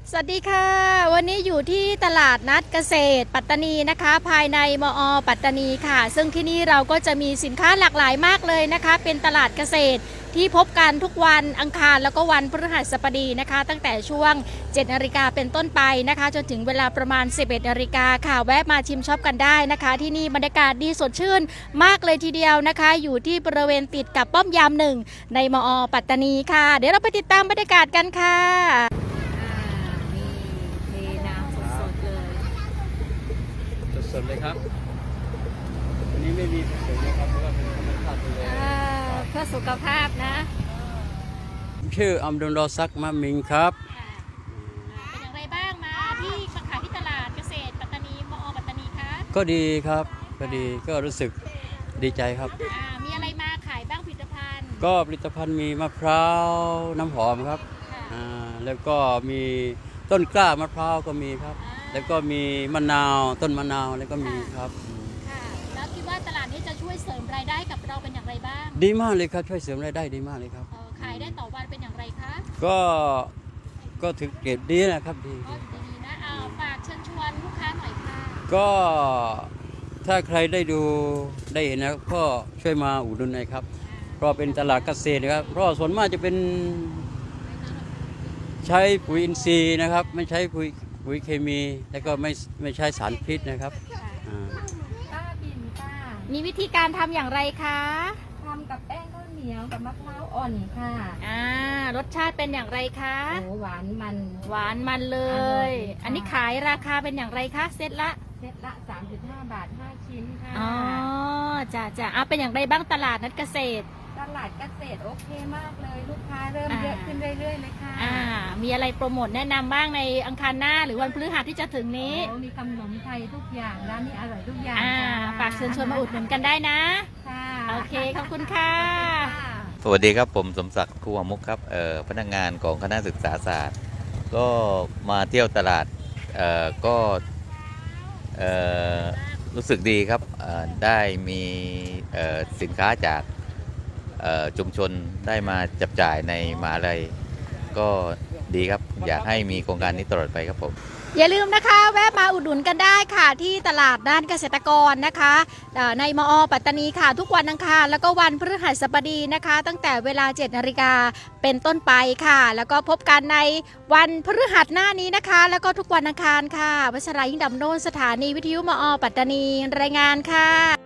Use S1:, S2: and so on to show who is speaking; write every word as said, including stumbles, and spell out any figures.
S1: สวัสดีค่ะวันนี้อยู่ที่ตลาดนัดเกษตรปัตตานีนะคะภายในมอปัตตานีค่ะซึ่งที่นี่เราก็จะมีสินค้าหลากหลายมากเลยนะคะเป็นตลาดเกษตรที่พบกันทุกวันอังคารแล้วก็วันพฤหัสบดีนะคะตั้งแต่ช่วงเจ็ดนาฬิกาเป็นต้นไปนะคะจนถึงเวลาประมาณสิบเอ็ดนาฬิกาค่ะแวะมาชิมช็อปกันได้นะคะที่นี่บรรยากาศดีสดชื่นมากเลยทีเดียวนะคะอยู่ที่บริเวณติดกับป้อมยามหนึ่งในมอปัตตานีค่ะเดี๋ยวเราไปติดตามบรรยากาศกันค่ะ
S2: สดเลยครับอันนี้ไม่มีผสมนะครับเพราะว่าเป็นธรรมชาติเลย
S1: เพื่อสุขภาพนะ
S2: ชื่ออัมดุลรอซักมะมิงครับ
S1: เป็นอย่างไรบ้างมาที่ขายที่ตลาดเกษตรปัตตานีมอปัตตานีคะ
S2: ก็ดีครับก็ดีก็รู้สึกดีใจครับ
S1: มีอะไรมาขายบ้างผลิตภัณฑ์
S2: ก็ผลิตภัณฑ์มีมะพร้าวน้ำหอมครับแล้วก็มีต้นกล้ามะพร้าวก็มีครับแล้วก็มีมะนาวต้นมะนาวแล้วก็มีครับ
S1: ค่ะแล้วคิดว่าตลาดนี้จะช่วยเสริมรายได้กับเราเป็นอย่างไรบ้าง
S2: ดีมากเลยครับช่วยเสริมรายได้ดีมากเลยครับ
S1: ขายได้ต่อวันเป็นอย่างไรคะ
S2: ก็ก็ถือเกรดดีนะครับดี
S1: ดีนะเอาฝากเชิญชวนลูกค้าหน่อยค่ะ
S2: ก็ถ้าใครได้ดูได้เห็นนะก็ช่วยมาอุดหนุนหน่อยครับเพราะเป็นตลาดเกษตรนะครับเพราะส่วนมากจะเป็นใช้ปุ๋ยอินทรีย์นะครับไม่ใช้ปุ๋ยปุ๋ยเคมีแล้วก็ไม่ไม่ใช้สารพิษนะครับ
S3: ป้าบินป้า
S1: มีวิธีการทำอย่างไรคะ
S3: ทำกับแป้งข้าวเหนียวกับมะพร้าวอ่อนค่ะ
S1: อ่ารสชาติเป็นอย่างไรคะ
S3: โอ้หวานมัน
S1: หวานมันเลยอันนี้ขายราคาเป็นอย่างไรคะเซตละ
S3: เซตละ สามสิบห้า บาทห้าชิ้นค่ะ
S1: อ๋อจ้ะจ้ะเอาเป็นอย่างไรบ้างตลาดนัดเกษตร
S3: ตลาดเกษตรโอเคมากเลยลูกค้าเริ่มเยอะขึ้นเรื่อยๆเลยค่ะ
S1: อ่ามีอะไรโปรโมทแนะนำบ้างในอังคารหน้าหรือวันพฤหัสที่จะถึงนี้
S3: มีขนมไทยทุกอย่างร้านนี้อร่อยทุกอย่าง
S1: อ่าฝากเชิญชวนมาอุดหนุนกันได้นะ
S3: ค่ะ
S1: โอเคขอบคุณค่ะ
S4: สวัสดีครับผมสมศักดิ์คูหมุกครับเอ่อพนักงานของคณะศึกษาศาสตร์ก็มาเที่ยวตลาดเอ่อก็เอ่อรู้สึกดีครับได้มีสินค้าจากชุมชนได้มาจับจ่ายในมหาลัยก็ดีครับอยากให้มีโครงการนี้ตลอดไปครับผม
S1: อย่าลืมนะคะแวะมาอุดหนุนกันได้ค่ะที่ตลาดด้านเกษตรกรนะคะในมอปัตตานีค่ะทุกวันอังคารแล้วก็วันพฤหัสบดีนะคะตั้งแต่เวลาเจ็ดนาฬิกาเป็นต้นไปค่ะแล้วก็พบกันในวันพฤหัสหน้านี้นะคะแล้วก็ทุกวันอังคารค่ะวัชรายิ่งดำโนนสถานีวิทยุมอปัตตานีรายงานค่ะ